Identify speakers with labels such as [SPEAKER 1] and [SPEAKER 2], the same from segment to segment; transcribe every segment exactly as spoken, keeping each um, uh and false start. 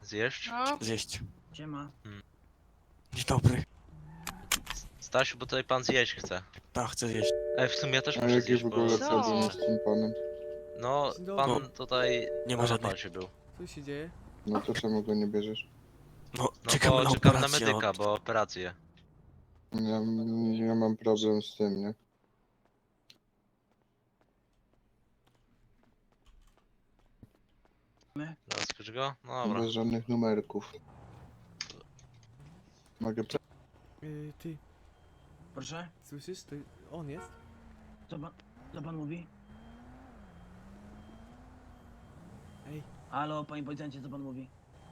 [SPEAKER 1] Zjeść?
[SPEAKER 2] No,
[SPEAKER 3] Zjeść.
[SPEAKER 4] Siema.
[SPEAKER 3] Dzień dobry.
[SPEAKER 1] Stasiu, bo tutaj pan zjeść chce.
[SPEAKER 3] Tak, chcę zjeść.
[SPEAKER 1] Ej, w sumie ja też
[SPEAKER 5] A
[SPEAKER 1] muszę
[SPEAKER 5] jakie
[SPEAKER 1] zjeść,
[SPEAKER 5] w
[SPEAKER 1] bo...
[SPEAKER 5] ogóle
[SPEAKER 2] Co?
[SPEAKER 5] problemy z tym panem?
[SPEAKER 1] No,
[SPEAKER 6] Dzień dobry.
[SPEAKER 1] pan tutaj
[SPEAKER 3] Nie ma
[SPEAKER 1] na
[SPEAKER 3] żadnych.
[SPEAKER 1] napadzie był.
[SPEAKER 6] Co się dzieje?
[SPEAKER 5] No to czemu go nie bierzesz?
[SPEAKER 3] No,
[SPEAKER 1] No
[SPEAKER 3] czekamy
[SPEAKER 1] bo
[SPEAKER 3] na
[SPEAKER 1] czekam na
[SPEAKER 3] operację.
[SPEAKER 1] medyka,
[SPEAKER 3] no.
[SPEAKER 1] bo operację.
[SPEAKER 5] Ja, ja mam problem z tym, nie?
[SPEAKER 1] Rozkryć go? No dobra.
[SPEAKER 5] Bez żadnych numerków. Mogę... pre-
[SPEAKER 6] Yy, ty,
[SPEAKER 4] Proszę?
[SPEAKER 6] słyszysz? To on jest?
[SPEAKER 4] Co pan, co pan mówi?
[SPEAKER 6] Ej,
[SPEAKER 4] Halo, panie policjancie, co pan mówi?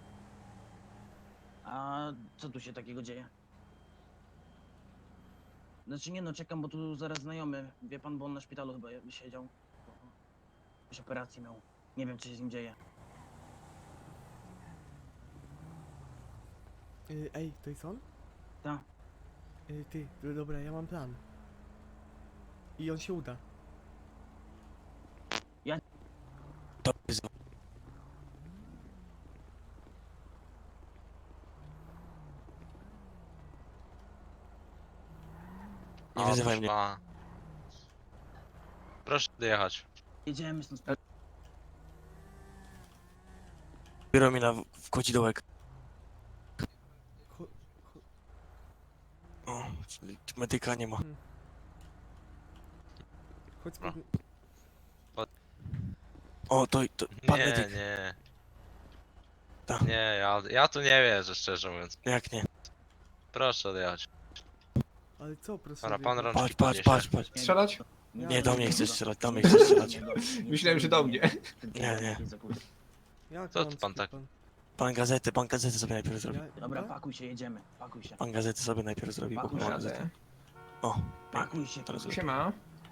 [SPEAKER 4] A co tu się takiego dzieje? Znaczy nie no, czekam, bo tu zaraz znajomy. Wie pan, bo on na szpitalu chyba je- siedział. Jakąś operację miał. Nie wiem, co się z nim dzieje.
[SPEAKER 6] yy, ej, to jest on?
[SPEAKER 4] Tak.
[SPEAKER 6] Yy, ty, no dobra, ja mam plan. I on się uda.
[SPEAKER 3] To jest... Nie
[SPEAKER 1] O,
[SPEAKER 3] wyzywaj
[SPEAKER 1] proszę
[SPEAKER 3] mnie.
[SPEAKER 1] pana. Proszę dojechać.
[SPEAKER 4] Jedziemy stąd.
[SPEAKER 3] Biorą mi na w w kodzidołek.
[SPEAKER 6] Cho cho
[SPEAKER 3] O, czyli medyka nie ma.
[SPEAKER 6] chodź
[SPEAKER 1] No.
[SPEAKER 6] pod...
[SPEAKER 3] O, to, to pan
[SPEAKER 1] Nie,
[SPEAKER 3] medyk.
[SPEAKER 1] nie.
[SPEAKER 3] Tak.
[SPEAKER 1] Nie, ja, ja tu nie wierzę, szczerze mówiąc.
[SPEAKER 3] Jak nie?
[SPEAKER 1] Proszę odjechać.
[SPEAKER 6] Ale co, proszę?
[SPEAKER 1] Dobra,
[SPEAKER 6] wie-
[SPEAKER 1] pan rączki
[SPEAKER 3] Patrz, patrz,
[SPEAKER 1] podniesie.
[SPEAKER 3] patrz, patrz.
[SPEAKER 7] Strzelać?
[SPEAKER 3] Nie, do mnie chcesz strzelać, do mnie chcesz strzelać.
[SPEAKER 7] Myślałem, że do mnie.
[SPEAKER 3] Nie, nie.
[SPEAKER 6] Jak
[SPEAKER 1] Co
[SPEAKER 6] mam
[SPEAKER 1] pan
[SPEAKER 6] ci-
[SPEAKER 1] tak-
[SPEAKER 3] Pan gazety, pan gazety sobie najpierw zrobi.
[SPEAKER 6] Ja,
[SPEAKER 4] Dobra,
[SPEAKER 6] ja?
[SPEAKER 4] pakuj się, jedziemy. Pakuj się.
[SPEAKER 3] Pan gazety sobie najpierw zrobi, bo
[SPEAKER 4] Pakuj
[SPEAKER 3] pan
[SPEAKER 4] się.
[SPEAKER 3] gazety. O,
[SPEAKER 4] Pakuj się.
[SPEAKER 3] teraz
[SPEAKER 7] Siema.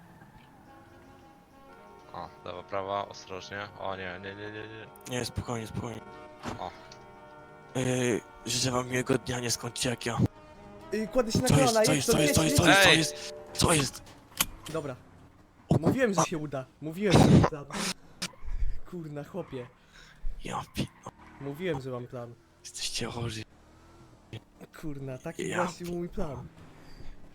[SPEAKER 1] O, lewa, prawa, ostrożnie. O nie, nie, nie, nie, nie.
[SPEAKER 3] nie, spokojnie, spokojnie.
[SPEAKER 1] O.
[SPEAKER 3] Yy, życzę wam miłego dnia, nie skończcie jak ja.
[SPEAKER 6] Yy, kładę się na
[SPEAKER 3] Co jest,
[SPEAKER 6] kolana,
[SPEAKER 3] co
[SPEAKER 6] jedź
[SPEAKER 3] jest, co
[SPEAKER 6] to,
[SPEAKER 3] jest, co
[SPEAKER 6] jedź,
[SPEAKER 3] jest, co jest, co
[SPEAKER 1] Ej!
[SPEAKER 3] jest? Co jest?
[SPEAKER 6] Dobra,
[SPEAKER 3] O,
[SPEAKER 6] mówiłem, że się uda. Mówiłem, że mam plan. Kurna, chłopie.
[SPEAKER 3] Ja pi...
[SPEAKER 6] Mówiłem, że mam plan.
[SPEAKER 3] Jesteście chorzy.
[SPEAKER 6] Kurna, taki
[SPEAKER 3] Ja
[SPEAKER 6] właśnie był mój plan.